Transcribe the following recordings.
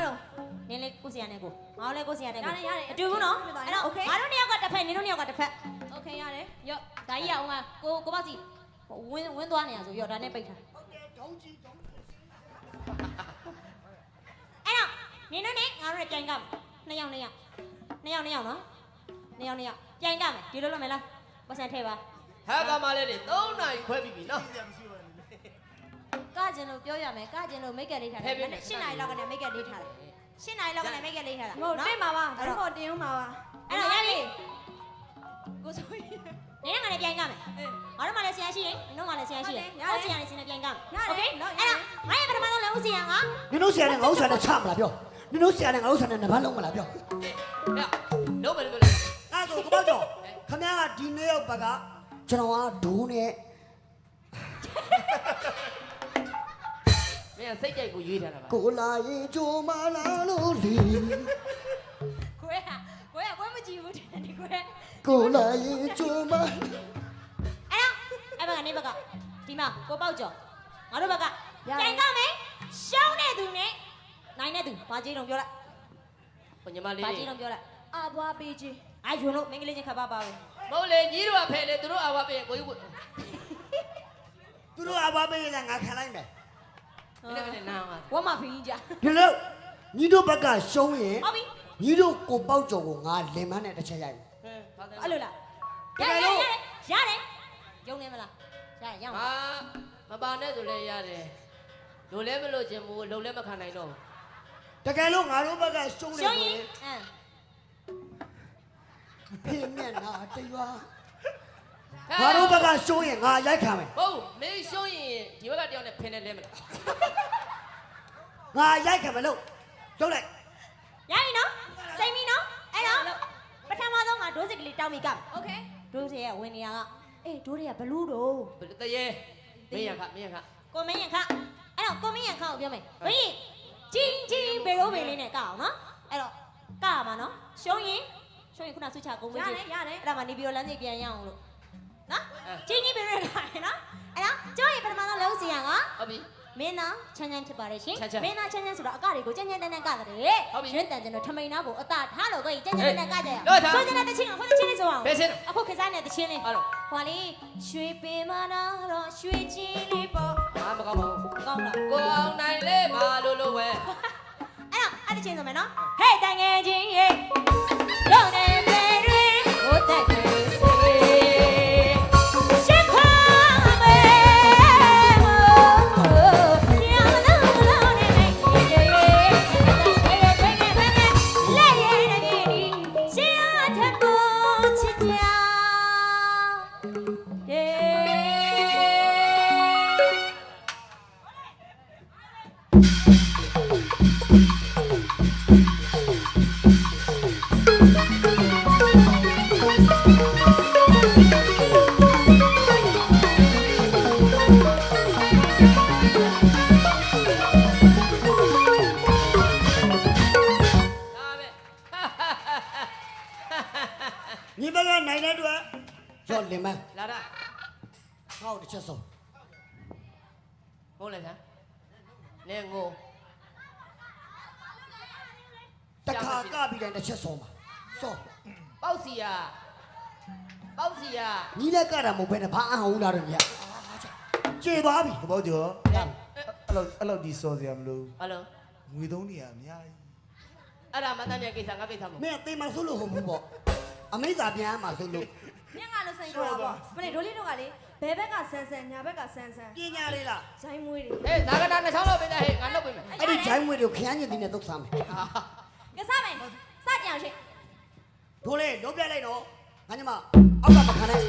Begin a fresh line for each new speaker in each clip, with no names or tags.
တော့
နင်းလေးကိုစီရနဲ့ကိုငါလည်းကိုစီရနဲ့ကို
ရတယ်
အတူဘူးနော်အဲ့တော့ငါတို့နှစ်ယောက်ကတစ်ဖက်နင်းတို့နှစ်ယောက်ကတစ်ဖက်
โอเคရတယ်
ရော့ဒါကြီးရအောင်ကကိုပေါ့စီဝင်းသွားနေရဆိုရော့ဒါနဲ့ပိတ်ထားအဲ့တော့နင်းတို့နဲ့ငါတို့နဲ့ပြိုင်ကမယ်နှစ်ယောက်နော်နှစ်ယောက်ပြိုင်ကမယ်ဒီလိုလုပ်မယ်လားပတ်စံထဲပါ
ဟာကမလေးတွေ3နာရီခွဲပြီးပြီနော်
ကကျင်လို့ပြောရမယ်ကကျင်လို့မိတ်ကလေးထားတယ်8နာရီလောက်ကနေမိတ်ကလေးထားတယ်8နာရီလောက်ကနေမိတ်ကလေးထားတာ
မဟုတ်တင်ပါပါဒါတော့တင်ဦးမှာပါ
အဲ့တော့ရပြီ
ကိုဆိုရင်
နင်းကလည်းပြိုင်ကမယ်ငါတို့မှလည်းဆရာရှိရင်နင်တို့မှလည်းဆရာရှိရင်ကိုဆရာနဲ့ဆင်းနဲ့ပြိုင်ကမယ်โอเคအဲ့တော့ငါရဲ့ပထမဆုံးလည်းဦးဆရာက
နင်တို့ဆရာနဲ့ငါတို့ဆရာနဲ့ချမလားပြောနင်တို့ဆရာနဲ့ငါတို့ဆရာနဲ့နဘာလုံးမလားပြော
ဟဲ့လုံးမယ်လို့
အဲ့ဒါကိုပေါ့ကြောခမရကဒီနေ့ရောက်ဘက်ကကျွန်တော်ကဒိုးနဲ့
မင်းစိတ်ကြိုက်ကိုရွေးထားတာပါ
ကိုလာရင်ကြိုမလာလို့လီ
ကိုမကြည့်ဘူးတဲ့ဒီကို
ကိုလာရင်ကြိုမ
အဲ့ဘက်ကနေဘက်ကဒီမှာကိုပေါက်ကျော်ငါတို့ဘက်ကပြိုင်ကမယ်ရှောင်းတဲ့သူနဲ့နိုင်တဲ့သူဘာကြီးတော့ပြောလိုက်
ဟိုညီမလေး
ဘာကြီးတော့ပြောလိုက်
အဘွားပေးချင်း
အဲ့ယူလို့မင်္ဂလိချင်းခပ်ပါပါဘူး
မဟုတ်လေညီတို့ကဖယ်လေသူတို့အဝါပေးရင်ကိုကြီးကို
သူတို့အဘပေးရင်ငါခံလိုက်မယ်
ဒီနေ့ကလည်းနားပါ
ဝတ်မဖီးကြ
ဒီလိုညီတို့ဘက်ကရှုံးရင်
ဟုတ်ပြီ
ညီတို့ကိုပေါက်ကြော်ကိုငါလင်မန်းနဲ့တစ်ချက်ရိုက်မယ်
ဟဲ့ဘာသာ
အဲ့လိုလားရတယ်ရုံနေမလားရအောင်
ဟာမပါနဲ့ဆိုလဲရတယ်လိုလဲမလို့ခြင်းဘူးလုံလဲမခံနိုင်တော့
တကယ်လို့ငါတို့ဘက်ကရှုံးတယ်
ရှော
ဆို
င်းရ
ရင်
င်
ဖေးမျက်နှာတရွာငါတို့ဘက်ကရှုံးရင်ငါရိုက်ခံမယ်
ဟုတ်မင်းရှုံးရင်ဒီဘက်ကတယောက်နဲ့ဖင်နဲ့လဲမလား
ငါရိုက်ခံမယ်လို့လုပ်လိုက်
ရပြီနော်စိတ်ပြီနော်အဲ့တော့ပထမဆုံးကဒိုးစစ်ကလေးတောင်းမိကမယ်
โอเค
ဒိုးစစ်ရဲ့ဝင်နေရကအေးဒိုးတွေကဘလူးတော့
ဘယ်တရေမင်းရခမင်းရခ
ကိုမင်းရခအဲ့တော့ကိုမင်းရခကိုပြောမယ်ဘင်းချင်းဘေရိုးဘေလေးနဲ့ကအောင်နော်အဲ့တော့ကရမှာနော်ရှုံးရင်ခုနဆွချကုန်းပေး
ရ
ချ
တယ်ရတယ်
အဲ့ဒါမှနေပြီးတော့လမ်းစီပြန်ရအောင်လို့နော်ချင်းဘေရိုးကရနော်အဲ့တော့ကျောင်းရဲ့ပထမဆုံးလုံးစီရက
ဟုတ်ပြီ
မင်းသားချမ်းချမ်းဖြစ်ပါတယ်ရှင်
ချမ်းချမ်း
မင်းသားချမ်းချမ်းဆိုတော့အကတွေကိုကြမ်းကြမ်းတန်းတန်းကတယ်
ဟုတ်ပြီ
ရွှေတန်ကျင်တို့ထမိန်သားကိုအတာထားလို့ကိုကြီးကြမ်းကြမ်းတန်းတန်းကကြရ
လို့ထား
ဆိုကြတဲ့တချင်းကဟိုတချင်းလေးဆိုအောင်
ဘယ်ချင်း
အခုခေတ်စားနေတဲ့တချင်းလေး
အဲ့တော့
ဟောလေရွှေပင်မနာတော့ရွှေချင်းလေးပေါ့
ဟာမကောင်းပါဘူး
ကောင်းလား
ကိုအောင်နိုင်လေးပါလို့ဝဲ
အဲ့တချင်းဆိုမယ်နော်ဟဲ့တန်ငယ်ချင်းရေလုံးနေပေတွေဟိုတက်ကြီးစေရှစ်ခါမဲရောင်းလုံးနေမေးရေရေဘယ်နဲ့လက်ရည်နေဒီရှင်းအထက်ကိုချစ်ကြ
ညီဘက်ကနိုင်တဲ့အတွက်ရော့လင်မန်း
လာတာ
ငါ့ကိုတစ်ချက်ဆုံး
ဟုတ်လဲဆန်းနေငို
တခါကပြီးတိုင်းတစ်ချက်ဆုံးပါစော
ပေါက်စီယာပေါက်စီယာ
ညီလည်းကတာမဟုတ်ဘဲနဲ့ဘာအဟောင်းလာတော့ညီကျေသွားပြီ
ဘောကျော်အဲ့လောက်ဒီစောစရာမလို
ဟယ်လို
ငွေသုံးနေရအများကြီး
အဲ့ဒါမတန်းတဲ့ကိစ္စငါကိစ္စမဟုတ်
မင်းအသေးမှဆိုလို့ဟုတ်ဘူးပေါ့အမိသာပြန်မှာဆိုလို့
ညငါလို့စိန်ခေါ်တာပေါ့မနေ့ဒိုးလေးတို့ကလေဘယ်ဘက်ကဆန်းဆန်းညာဘက်ကဆန်းဆန်း
ပညာလေးလား
ဇိုင်းမွေးတွေ
ဟေးဇာကတာနှစ်ချောင်းလောက်ပေးလိုက်ဟေးငါလုပ်ပေးမယ်
အဲ့ဒီဂျိုင်းမွေတွေကိုခရမ်းညင်တင်နဲ့သုတ်စားမယ်
ကစားမယ်စကြအောင်ရှင်
ဒိုးလေးလုံးပြလိုက်တော့ငါညီမအောက်ကမခံနဲ့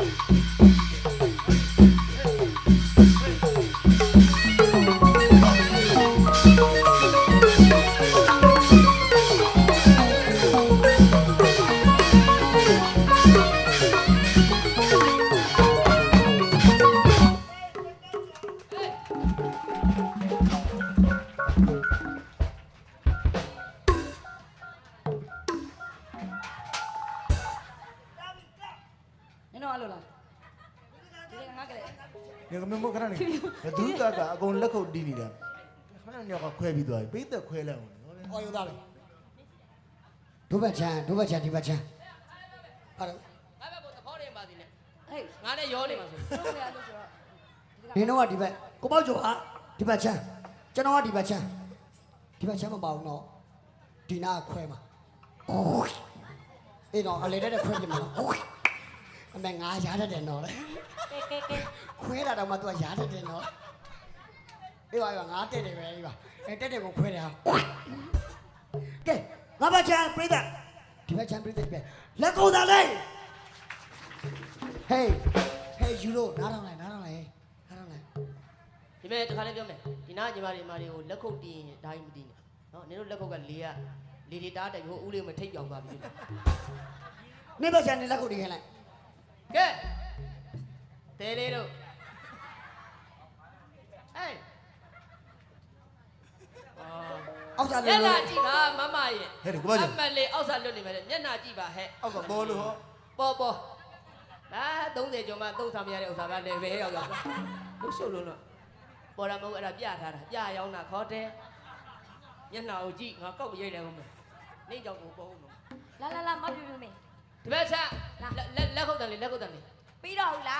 နင်တို့အဲ့လိုလားဒီကငါကလေး
ငါမမခဏနေဘသူကအကုန်လက်ခုပ်တီးနေတာခဏညောက်ကခွဲပြီးသွားပြီပိတ်သက်ခွဲလိုက်အောင်
အော်ယူသားပဲဒုဘက်ချမ်းဒီဘက်ချမ်းဟုတ်တယ်
ငါဘက်ကိုသဘောတည်းပါသေးနဲ့
ဟေး
ငါနဲ့ရောနေမှာဆို
တို့ရလို့ဆိုတော့
နင်တို့ကဒီဘက်ကိုပေါ့ကျော်ဟာဒီဘက်ချမ်းကျွန်တော်ကဒီဘက်ချမ်းမပါဘူးနော်ဒီနာခွဲမှာအိုးအေးတော့အလေတဲ့ခွဲပြမှာနော်အိုးအမေငါရားတတ်တယ်နော်လေ
ကဲ
ခွဲတာတော့မှ तू ကရားတတ်တယ်နော်အေးပါငါတက်တယ်ပဲအေးပါအဲတက်တယ်ကိုခွဲတယ်ဟာကဲငါဘက်ချမ်းပြိတ္တဒီဘက်ချမ်းပြိတ္တပဲလက်ကုန်သားလေးဟေးယူလို့နားထောင်လိုက်
ဒီမဲ့တခါလေးပြောမယ်ဒီနာညီမတွေကိုလက်ခုပ်တီးရင်ဒါကြီးမတီးနဲ့နော်နင်တို့လက်ခုပ်ကလေတွေတားတယ်ဟိုဦးလေးမထိတ်ပြောင်သွားပြီ
နေဘက်ချမ်းနေလက်ကုန်တီးခိုင်းလိုက်က
ဲတဲလေးတို့ဟေး
အောက်စား
မျ
လို့
က်နှာကြည့်ပါမမရဲ့
ဟဲ့ဒီကိုပါကြ
အမလေးအောက်စားလွတ်နေမယ်မျက်နှာကြည့်ပါဟဲ့
အောက်ကပေါ်လို့ဟော
ပေါ်ဒါ30ကျော်မှသုံးဆောင်မရတဲ့ဥစ္စာကလည်းပဲရောက်ရောက်လို့ရှုပ်လို့ပေါ်လာမဟုတ်အဲ့ဒါပြထားတာပြရောက်တာခေါ်တယ်မျက်နှာကိုကြည့်ငါကောက်ရိုက်တယ်ဟုတ်မယ်နေကြောင်ကိုပေါ်ဦးနော်
လာမပြူမင်း
ဒီဘက်ချက်လက်ခုပ်တန်လေး
ပြီးတော့ဟုတ်လား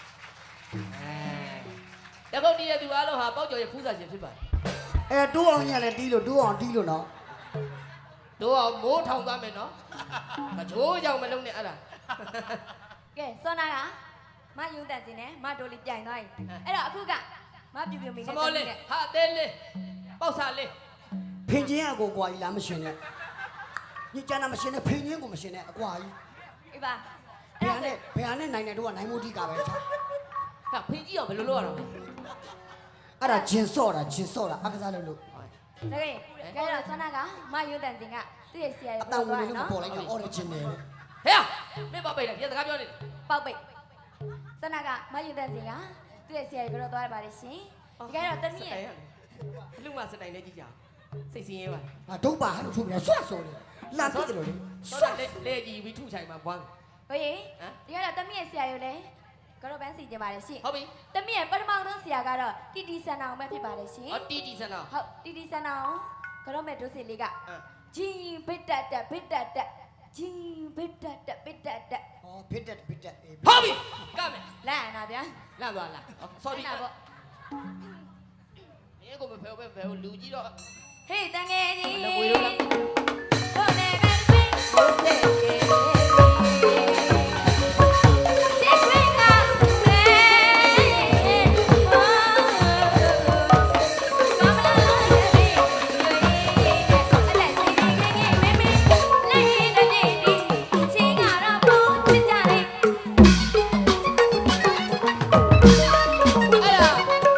လက်ခုပ်တီးတဲ့သူအားလုံးဟာပေါက်ကျော်ရဲ့ဖူးစာရှင်ဖြစ်ပါတယ်
အဲတိုးအောင်ညလည်းတီးလို့နော်
တို့အောင်မိုးထောင်သွားမယ်နော်မချိုးကြောင်မလုံးနဲ့အဲ့ဒါ
ကဲစောနာကမယုံတက်စင်းနဲ့မတိုးလေးပြိုင်သွားပြီအဲ့တော့အခုကမပြူမင်း
စမောလေးဟာသေးလေးပေါက်စာလေး
ဖင်ချင်းအကိုကွာကြီးလားမရှင်နဲ့ညချမ်းတာမရှင်နဲ့ဖင်ချင်းကိုမရှင်နဲ့အကွာကြီး
အေးပါ
ဘယ်ဟာနဲ့နိုင်တယ်တို့ကနိုင်မိုးတိကပဲချာ
ဟာဖင်ကြီးအောင်ဘယ်လိုလုပ်ရအောင်လဲ
အဲ့ဒါဂျင်စော့တာအကစားလို့
ဒါကဲတော့စောနာကမယုံတက်စင်းကသူ့ရဲ့ဆရာ
အ
ကြီး
တန်ဝင်
သွား
လေးလို့
နော်
ပေါ်လိုက်တာအော်ရဂျင်တယ်
ဟဲ့မင်းပေါက်ပိတ်တယ်ပြန်စကားပြောနေတယ်
ပေါက်ပိတ်စောနာကမယုံတက်စင်းကသူ့ရဲ့ဆရာကြီးပြောသွားရပါတယ်ရှင်ဒီကတော့တမီးရဲ့
လူမစတိုင်နဲ့ကြည့်ကြစိတ်စင်းရဲပါ
ဟာဒုတ်ပါဟာလို့ထုတ်ပြီးဆွတ်ဆိုတယ်လာပြစ်တယ်လို့လေ
ဆောတာလေကြည့်ပြီးထုချိုင်မှာဘွား
ဟိုရေဒီကတော့တမီးရဲ့ဆရာကြီးလည်းကတော့ပန်းစီကြပါတယ်ရှင်
ဟုတ်ပြီ
တမီးရဲ့ပထမဆုံးဆရာကတော့တီတီဆန်အောင်ပဲဖြစ်ပါတယ်ရှင်
ဟောတီဆန်တော့
ဟုတ်တီတီဆန်အောင်ကတော့မဲ့ဒုစီလေးကဂျင်းဘစ်တက်တက်ဂျင်းဘစ်တက်တက်
ဟောဖစ်တက်အေး
ဟုတ်ပြီကမယ်
လန့်နာဗျာ
လန့်သွားလား sorry
နာပေါ့
မင်းကိုမဖယ်ဘဲလူကြီးတော့
ဟေးတန်ငယ်ကြီး
လက်ဝေးလို့လား
ဟိုနေပဲပင်းဟိုတဲ့ကေချစ်ခွင့်ကလေဟောမမလာရဲ့ဘေးလက်စီငယ်ငယ်မေမေလေးတဲ့ဒီချင်းကတော့ပုံချစ်ကြလေ
အဲ့ဒါ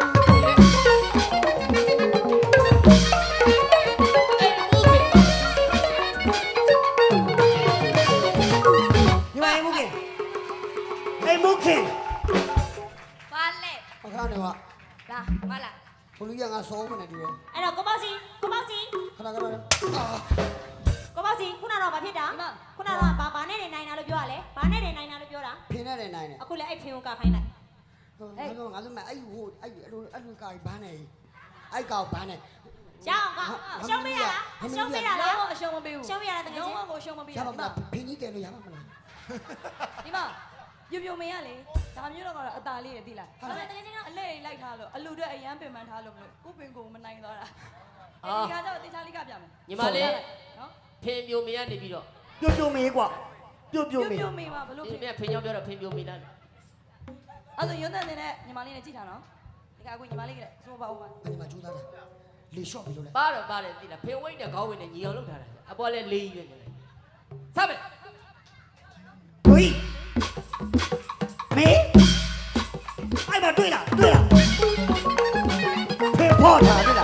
ညီမအေးမူခင်
ပါလေ
အခါနေက
လာမလာ
ဘလူရငါစောမနေတူတယ်
အဲ့တော့ကိုပေါ့စီ
ခဏ
ခုနတော့ဘာဖြစ်တာခုနတော့ဘာနဲ့နေနိုင်တာလို့ပြောရလဲဘာနဲ့နေနိုင်တာလို့ပြောတာ
ဖင်နဲ့နိုင်တယ်
အခုလည်းအဲ့ဖင်ကိုကခိုင်းလိုက်
ငါတို့မအဲ့ဟိုအဲ့လိုကာဘာနဲ့အဲ့ကောင်ဘာနဲ့
ရအောင်ကရှုံးပေးရလားရှုံးပေးရလား
အရှုံးမပေးဘူး
ရှုံးပေးရလားတကယ်
လုံး
ချင်း
ဝကိုရှုံးမပေး
ရ
ဘူး
ပါမလားဖင်ကြီးတယ်လို့ရပါမလား
ဒီမှာပြပြမင်းရလေဒါမျိုးတော့ကတော့အตาလေးရသိလားဒါပေမဲ့တကယ်ချင်းတော့အလဲလိုက်ထားလို့အလူတွေအရန်ပင်ပန်းထားလို့မလို့ကိုပင်ကိုမနိုင်သွားတာဒီကကြောင့်တေချာလေးကပြမယ်
ညီမလေး
နော်
ဖင်ပြိုမရနေပြီးတော့
ပြုတ်မေးကွာပြုတ်မေး
ပြမင်းပါဘလို့
ဒီ
ဖြစ်
မြတ်ဖင်ကြောင့်ပြောတော့ဖင်ပြိုမလား
အဲ့ဒါရုံးတဲ့နေတဲ့ညီမလေးနဲ့ကြည့်ထားနော်ဒီကအခုညီမလေးကလည်းစိုးပါဦးပါ
အဲ့မှာကျူးသားတယ်လေရှော့ပြီလို့လေ
ပါတယ်သိလားဖင်ဝိတ်နဲ့ခေါင်းဝိတ်နဲ့ညီအောင်လုပ်ထားတာအပေါ်လဲလေးရွက်နေတယ်စမယ်
ဒွိမေးအဲ့မှာတွေ့လားဖေဖော်ထားတယ်လား